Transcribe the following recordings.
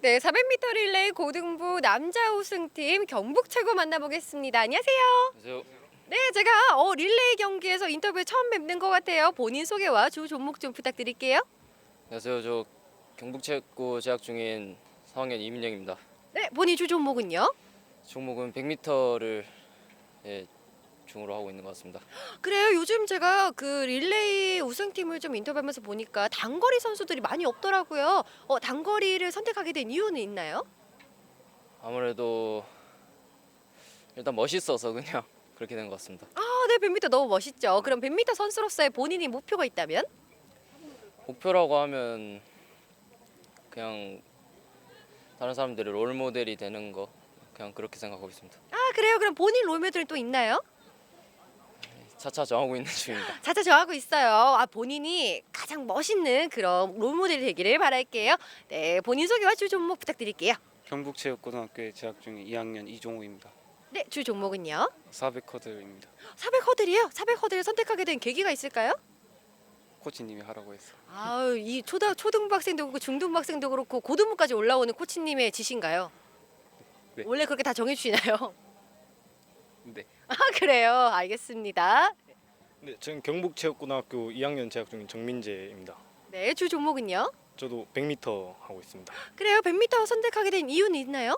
네, 400m 릴레이 고등부 남자 우승팀 경북 최고 만나보겠습니다. 안녕하세요. 안녕하세요. 네, 제가 릴레이 경기에서 인터뷰에 처음 뵙는 것 같아요. 본인 소개와 주 종목 좀 부탁드릴게요. 안녕하세요. 저 경북체육고 재학 중인 4학년 이민영입니다. 네, 본인 주 종목은요? 종목은 100m를 중으로 하고 있는 것 같습니다. 그래요. 요즘 제가 그 릴레이 우승팀을 좀 인터뷰하면서 보니까 단거리 선수들이 많이 없더라고요. 단거리를 선택하게 된 이유는 있나요? 아무래도 일단 멋있어서 그냥 그렇게 된 것 같습니다. 아, 네, 100m 너무 멋있죠. 그럼 100m 선수로서의 본인이 목표가 있다면? 목표라고 하면 그냥 다른 사람들의 롤 모델이 되는 거 그냥 그렇게 생각하고 있습니다. 아, 그래요. 그럼 본인 롤모델은 또 있나요? 차차 정하고 있는 중입니다. 자자 정하고 있어요. 아, 본인이 가장 멋있는 그런 롤모델이 되기를 바랄게요. 네, 본인 소개와 주 종목 부탁드릴게요. 경북체육고등학교에 재학 중인 2학년 이종우입니다. 네, 주 종목은요? 400커드입니다. 400 허들이요? 400 허들을 선택하게 된 계기가 있을까요? 코치님이 하라고 해서. 아유, 이 초등부 학생도 그렇고 중등부 학생도 그렇고 고등부까지 올라오는 코치님의 지시인가요? 네. 원래 그렇게 다 정해주시나요? 네. 아, 그래요. 알겠습니다. 네, 저는 경북체육고등학교 2학년 재학 중인 정민재입니다. 네, 주 종목은요? 저도 100m 하고 있습니다. 그래요. 100m 선택하게 된 이유는 있나요?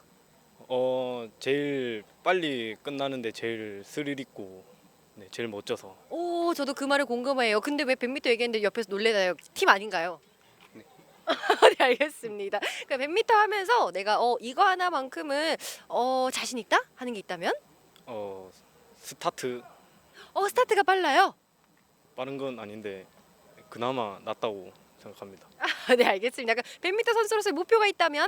제일 빨리 끝나는데 제일 스릴 있고 제일 멋져서. 오, 저도 그 말을 공감해요. 근데 왜 100m 얘기했는데 옆에서 놀래나요? 팀 아닌가요? 네. 네, 알겠습니다. 그러니까 100m 하면서 내가 이거 하나만큼은 자신 있다 하는 게 있다면? 스타트 스타트가 빨라요. 빠른 건 아닌데 그나마 낫다고 생각합니다. 네, 알겠습니다. 그러니까 100m 선수로서의 목표가 있다면?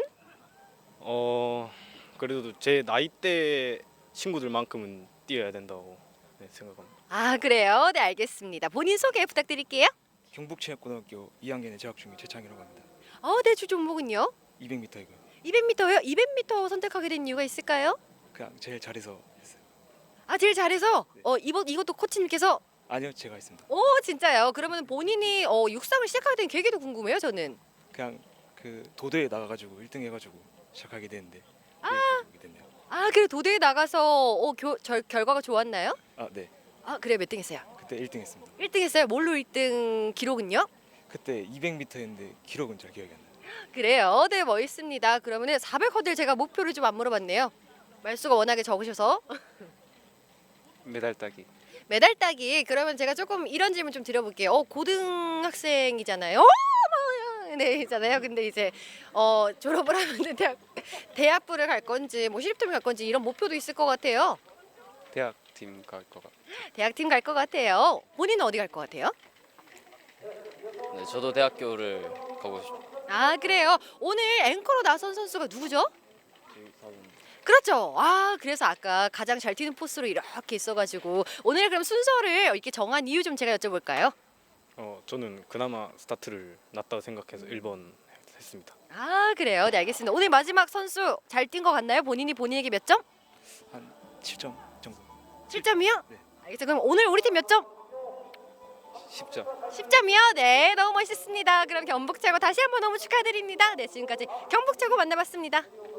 그래도 제 나이대 친구들만큼은 뛰어야 된다고 생각합니다. 아, 그래요. 네, 알겠습니다. 본인 소개 부탁드릴게요. 경북체육고등학교 2학년에 재학 중인 최창이라고 합니다. 네, 주 종목은요? 200m이고요. 200m요? 200m 선택하게 된 이유가 있을까요? 그냥 제일 잘해서 했어요. 아, 제일 잘해서 이것도 코치님께서 아니요, 제가 했습니다. 진짜요? 그러면 본인이 육상을 시작하게 된 계기도 궁금해요, 저는. 그냥 그 도대에 나가가지고 1등 해가지고 시작하게 됐는데 이렇게 됐네요. 아, 그래 도대에 나가서 결과가 좋았나요? 아, 네. 아, 그래 몇 등 했어요? 그때 1등 했습니다. 1등 했어요? 뭘로 1등 기록은요? 그때 200m였는데 기록은 잘 기억이 안 나요. 그래요. 네, 멋있습니다. 그러면은 400 허들 제가 목표를 좀 안 물어봤네요. 말수가 워낙에 적으셔서. 메달 따기. 메달 따기. 그러면 제가 조금 이런 질문 좀 드려볼게요. 고등학생이잖아요. 네, 있잖아요. 근데 이제 졸업을 하면 대학부를 갈 건지 뭐 시립팀을 갈 건지 이런 목표도 있을 것 같아요. 대학팀 갈 것 같아요. 대학팀 갈 것 같아요. 본인은 어디 갈 것 같아요? 네, 저도 대학교를 가고 싶습니다. 아, 그래요. 오늘 앵커로 나선 선수가 누구죠? 그렇죠. 아, 그래서 아까 가장 잘 튀는 포스로 이렇게 있어가지고 오늘 그럼 순서를 이렇게 정한 이유 좀 제가 여쭤볼까요? 저는 그나마 스타트를 낫다고 생각해서 1번 했습니다. 아, 그래요. 네, 알겠습니다. 오늘 마지막 선수 잘 뛴 것 같나요? 본인에게 몇 점? 한 7점 정도. 7점이요? 네. 알겠습니다. 그럼 오늘 우리 팀 몇 점? 10점. 10점이요? 네, 너무 멋있습니다. 그럼 경북 최고 다시 한번 너무 축하드립니다. 네, 지금까지 경북 최고 만나봤습니다.